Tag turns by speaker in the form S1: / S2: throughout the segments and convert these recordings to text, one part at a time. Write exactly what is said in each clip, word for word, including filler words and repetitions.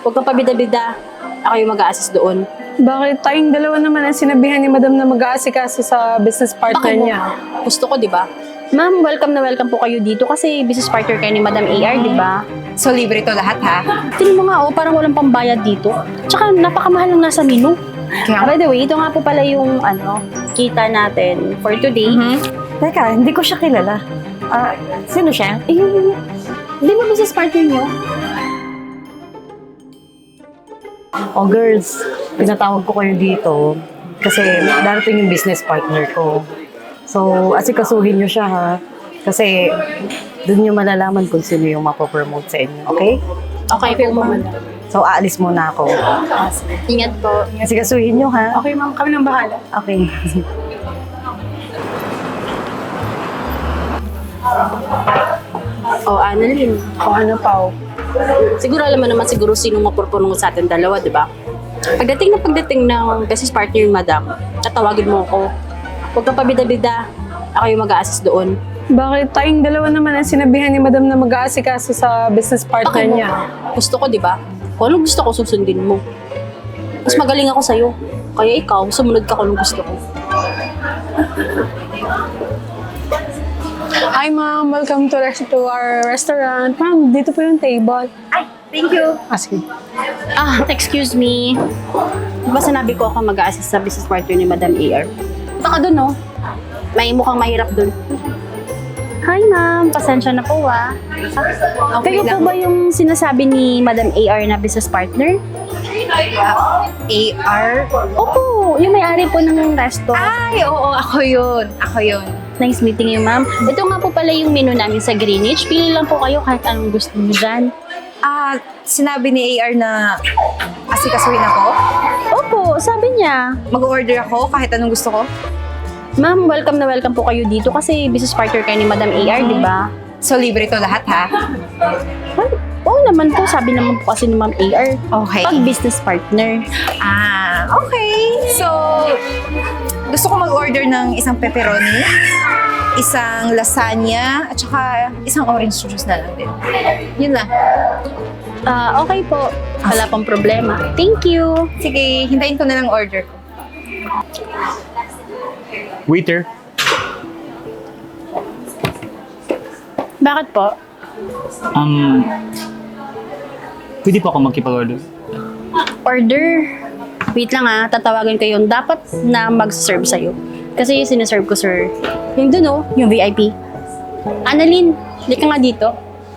S1: Huwag kang pabida-bida. Ako yung mag-a-assist doon.
S2: Bakit tayong dalawa naman ang sinabihan ni Madam na mag-aasikaso sa business partner
S1: Bakit mo?
S2: niya?
S1: Gusto ko, di ba? Ma'am, welcome na welcome po kayo dito kasi business partner kayo ni Madam A R, di ba?
S3: So, libre to lahat, ha?
S1: Tingnan mo nga, oh, parang walang pambayad dito. Tsaka napakamahal ng nasa menu.
S3: Kaya-
S1: By the way, ito nga po pala yung ano, kita natin for today.
S3: Mhm.
S4: Teka, hindi ko siya kilala. Ah, sino siya?
S1: Eh, di ba business partner nyo?
S4: Oh, girls, pinatawag ko kayo dito kasi darating yung business partner ko. So, asikasuhin niyo siya, ha? Kasi doon niyo malalaman kung sino yung mapopromote sa inyo, okay?
S1: Okay po, ma'am.
S4: So, aalis muna ako.
S1: Ingat po.
S4: Asikasuhin niyo, ha?
S2: Okay, ma'am, kami nang bahala.
S4: Okay.
S1: Oh, Annalyn.
S2: O ano, Pao?
S1: Siguro alam mo naman siguro sino mapopromote sa atin dalawa, di ba? Pagdating na pagdating ng business partner yung madam, tatawagin mo ako. Huwag kang pabida-bida. Ako yung mag-a-assist doon.
S2: Bakit tayong dalawa naman ang sinabihan ni Madam na mag-aasikaso sa business partner
S1: Bakit mo?
S2: niya?
S1: Gusto ko, di ba? Kung anong gusto ko, susundin mo. Mas magaling ako sa'yo. Kaya ikaw, sumunod ka kung anong gusto ko.
S2: Hi, ma'am. Welcome to, res- to our restaurant. Ma'am, dito po yung table.
S3: Ay, thank you.
S2: Ah, sige.
S1: Ah, excuse me. Di ba sinabi ko ako mag-a-assist sa business partner ni Madam A R? Baka doon, no? May mukhang mahirap doon. Hi, ma'am. Pasensya na po, ah.
S3: Okay
S1: Kayo po
S3: lang.
S1: ba yung sinasabi ni Madam A R na business partner?
S3: A R?
S1: Opo, yung may-ari po ng resto.
S3: Ay, oo, ako yun. Ako yun.
S1: Nice meeting you, ma'am. Ito nga po pala yung menu namin sa Greenwich. Pili lang po kayo kahit anong gusto niyo dyan.
S3: Ah, sinabi ni A R na asikasuhin ako?
S1: Opo, sabi niya.
S3: Mag-order ako kahit anong gusto ko?
S1: Ma'am, welcome na welcome po kayo dito kasi business partner kayo ni Madam A R, di ba?
S3: So, libre to lahat, ha?
S1: Ay, oo naman po. Sabi naman po kasi ni Ma'am A R.
S3: Okay.
S1: Pag business partner.
S3: Ah, okay. So, gusto ko mag-order ng isang pepperoni, isang lasagna, at saka isang orange juice na lang din. Yun lang.
S1: Ah, okay po. Wala pang problema. Thank you.
S3: Sige, hintayin ko na lang order ko.
S5: Waiter,
S1: Bakit po?
S5: um, pwede po ako magkipag-order?
S1: Order. Wait lang ah, tatawagan ko yung dapat na mag-serve sa'yo. Kasi yung sinaserve ko, sir. Yung dun oh, yung V I P. Annalyn, hindi ka nga dito.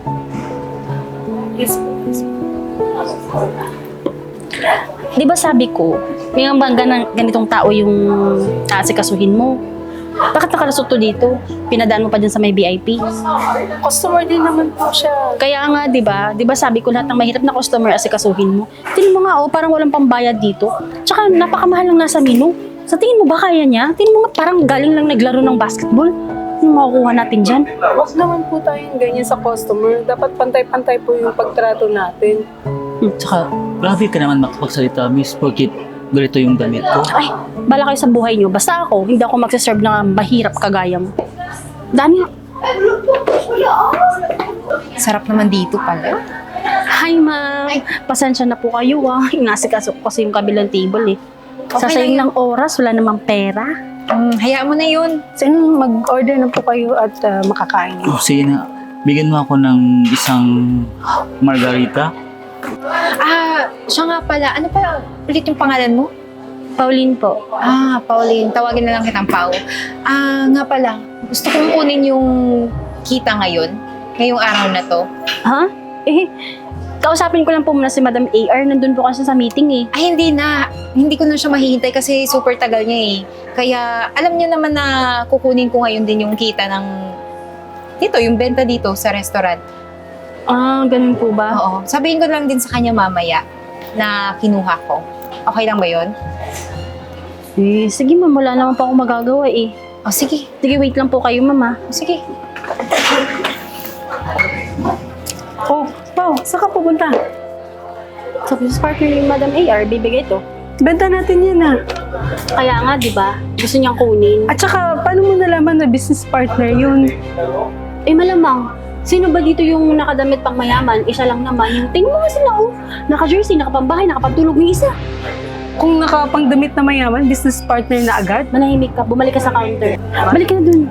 S1: Di ba sabi ko, may mga gan- ganitong tao yung aasikasuhin mo. Bakit nakalusot to dito? Pinadaan mo pa dyan sa may V I P.
S2: Customer din naman po siya.
S1: Kaya nga, di ba? Di ba sabi ko lahat ng mahirap na customer asikasuhin mo? Tingnan mo nga, oh, parang walang pambayad dito. Tsaka napakamahal lang nasa menu. Sa tingin mo ba kaya niya? Tingnan mo nga, parang galing lang naglaro ng basketball. Ano makukuha natin dyan?
S2: Huwag naman po tayong ganyan sa customer. Dapat pantay-pantay po yung pagtrato natin.
S1: Hmm.
S5: Tsaka, grabe ka naman makapagsalita, miss, porkit ganito yung damit ko.
S1: Ay, bala kayo sa buhay niyo. Basta ako, hindi ako magsaserve ng mahirap kagaya mo. Dami.
S3: Sarap naman dito pala.
S1: Hi, ma'am. Pasensya na po kayo, ah. Inasikaso ko kasi yung kabilang table, eh.
S3: Okay
S1: Sasayang
S3: lang
S1: ng oras, wala namang pera.
S3: Um, hayaan mo na yun.
S2: So, yun, mag-order na po kayo at ah, makakain.
S5: Oh, sige na, bigyan mo ako ng isang margarita.
S3: Ah, siya nga pala. Ano pa ulit yung pangalan mo?
S1: Pauline po.
S3: Ah, Pauline. Tawagin na lang kitang Pau. Ah, nga pala. Gusto kong kunin yung kita ngayon. Ngayong araw na to.
S1: Ha? Eh, kausapin ko lang po muna si Madam A R. Nandun po kasi sa meeting, eh.
S3: Ay, hindi na. Hindi ko na siya mahihintay kasi super tagal niya eh. Kaya alam niyo naman na kukunin ko ngayon din yung kita ng dito, yung benta dito sa restaurant.
S1: Ah, ganun po ba?
S3: Oo. Sabihin ko lang din sa kanya mamaya na kinuha ko. Okay lang ba yun?
S1: Eh, sige ma'am, wala naman pa ako magagawa, eh.
S3: O, sige.
S1: Sige, wait lang po kayo, ma'am, ah.
S3: O, sige.
S2: Oh, Pao, saan ka pupunta?
S1: Sa business partner ni Madam A R, bibigay to.
S2: Benta natin yan, ha?
S1: Kaya nga, di ba? Gusto niyang kunin.
S2: At saka, paano mo nalaman na business partner yun?
S1: Eh, malamang. Sino ba dito yung nakadamit pang mayaman? Isa lang naman. Yung tingin mo nga sila, oh. Naka-jersey, nakapambahay, nakapagtulog ng isa.
S2: Kung nakapangdamit na mayaman, business partner na agad.
S1: Manahimik ka, bumalik ka sa counter. Balik ka na dun.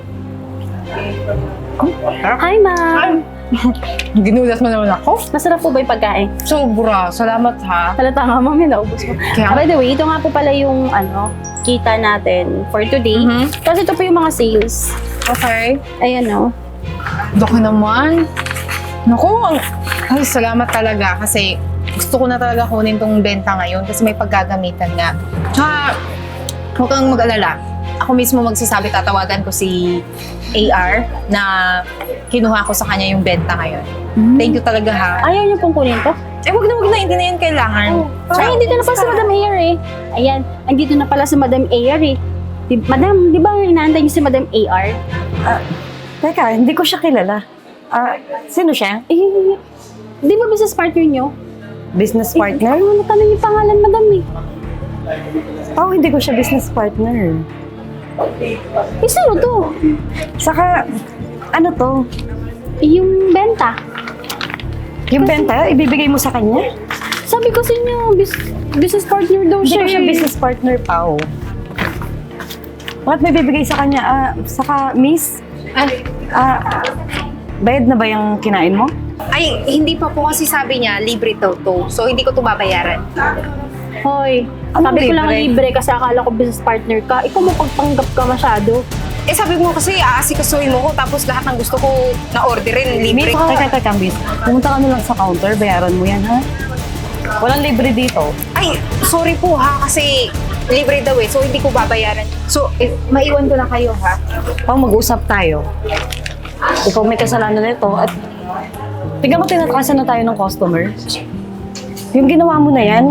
S1: Hi, ma'am.
S3: Ginulat mo naman ako?
S1: Masarap po ba yung pagkain?
S3: Sobra. Salamat ha.
S1: Halata nga, ma'am, yun, naubos mo.
S3: Kaya-
S1: Ah, by the way, ito nga po pala yung, ano, kita natin for today.
S3: Mhm.
S1: Kasi ito po yung mga sales.
S3: Okay.
S1: Ayan, oh.
S3: Doko naman. Naku, ang... Ay, salamat talaga kasi gusto ko na talaga kunin tong benta ngayon kasi may paggagamitan nga. Tsaka, huwag kang mag-alala. Ako mismo magsasabi, tatawagan ko si A R na kinuha ko sa kanya yung benta ngayon. Thank you talaga ha.
S1: Ayaw niyo pong kunin to?
S3: Eh, wag na wag na, hindi na yan kailangan.
S1: Ay, dito na pala si Madam Ayer eh. Ayan, andito na pala si Madam Ayer eh. Di, Madam, di ba inaantay niyo si Madam A R?
S4: Teka, hindi ko siya kilala. Ah, sino siya?
S1: Eh, di ba business partner niyo?
S4: Business
S1: Eh,
S4: partner?
S1: ano tanong yung pangalan, Madam eh?
S4: Oh, hindi ko siya business partner.
S1: Eh, sino to?
S4: Saka, ano to?
S1: Eh, yung benta.
S4: Yung benta, ibibigay mo sa kanya?
S1: Sabi ko sa inyo, bis- business partner daw
S4: Hindi
S1: siya
S4: ko siya
S1: eh.
S4: business partner, Pao. Bakit may bibigay sa kanya? Ah, saka, miss,
S3: Ay,
S4: ah, bayad na ba yung kinain mo?
S3: ay, hindi pa po kasi sabi niya, libre daw to. So, hindi ko to babayaran.
S1: Hoy,
S4: Anong
S1: sabi ko lang
S4: libre?
S1: libre kasi akala ko business partner ka. Ikaw mo pagpanggap ka masyado.
S3: Eh, sabi mo kasi aasikasuhin mo ko tapos lahat ng gusto ko na-orderin, libre.
S4: Teka, teka, miss. Pumunta ka na lang sa counter, bayaran mo yan, ha? Walang libre dito.
S3: Ay, sorry po ha, kasi libre daw eh, so hindi ko babayaran. So, eh, maiwan ko na kayo ha.
S4: Pao, mag-usap tayo. Ikaw may kasalanan nito at tignan mo, tinatakasan na tayo ng customer. Yung ginawa mo na yan,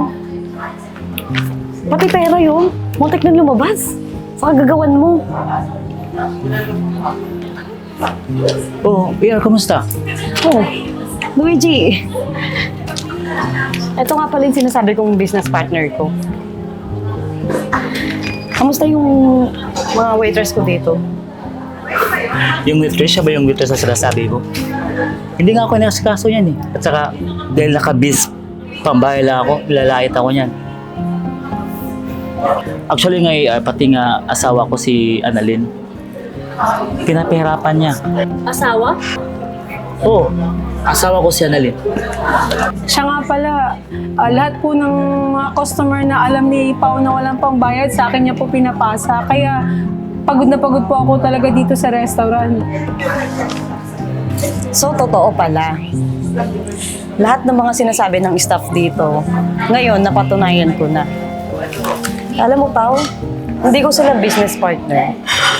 S4: pati pera yun, muntik na lumabas. Sa kagagawan mo.
S5: Oh, A R, kamusta?
S4: Oh, Luigi. Ito nga pala yung sinasabi kong business partner ko. Kamusta yung mga waiters ko dito?
S5: Yung waitress, siya ba yung waitress na sinasabi mo? Hindi nga ako nakasikaso yan eh. At saka, dahil nakabis, pambahay lang ako, lalait ako niyan. Actually nga, eh, pati nga asawa ko si Annalyn, pinapahirapan niya.
S1: Asawa?
S5: Oo, asawa ko si Annalyn.
S2: Siya nga pala, ah, lahat po ng mga customer na alam ni Pao na walang pangbayad, sa akin niya po pinapasa. Kaya pagod na pagod po ako talaga dito sa restaurant.
S4: So, totoo pala. Lahat ng mga sinasabi ng staff dito, ngayon napatunayan ko na. Alam mo, Pao, hindi ko sila business partner.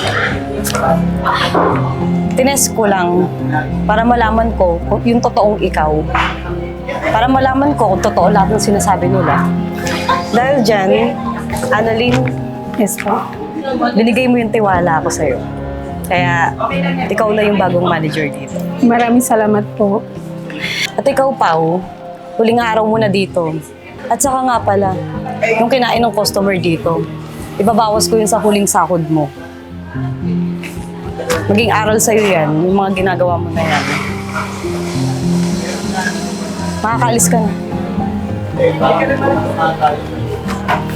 S4: Tinest ko lang para malaman ko kung yung totoong ikaw. Para malaman ko kung totoo lahat ng sinasabi nila. Dahil dyan, Annalyn, yes po, binigay mo yung tiwala ko sa'yo. Kaya, ikaw na yung bagong manager dito.
S2: Maraming salamat po.
S4: At ikaw, Pao, huling araw mo na dito. At saka nga pala, yung kinain ng customer dito, ibabawas ko yun sa huling sahod mo. Maging aral sa'yo yan, yung mga ginagawa mo na yan. Makakaalis ka na.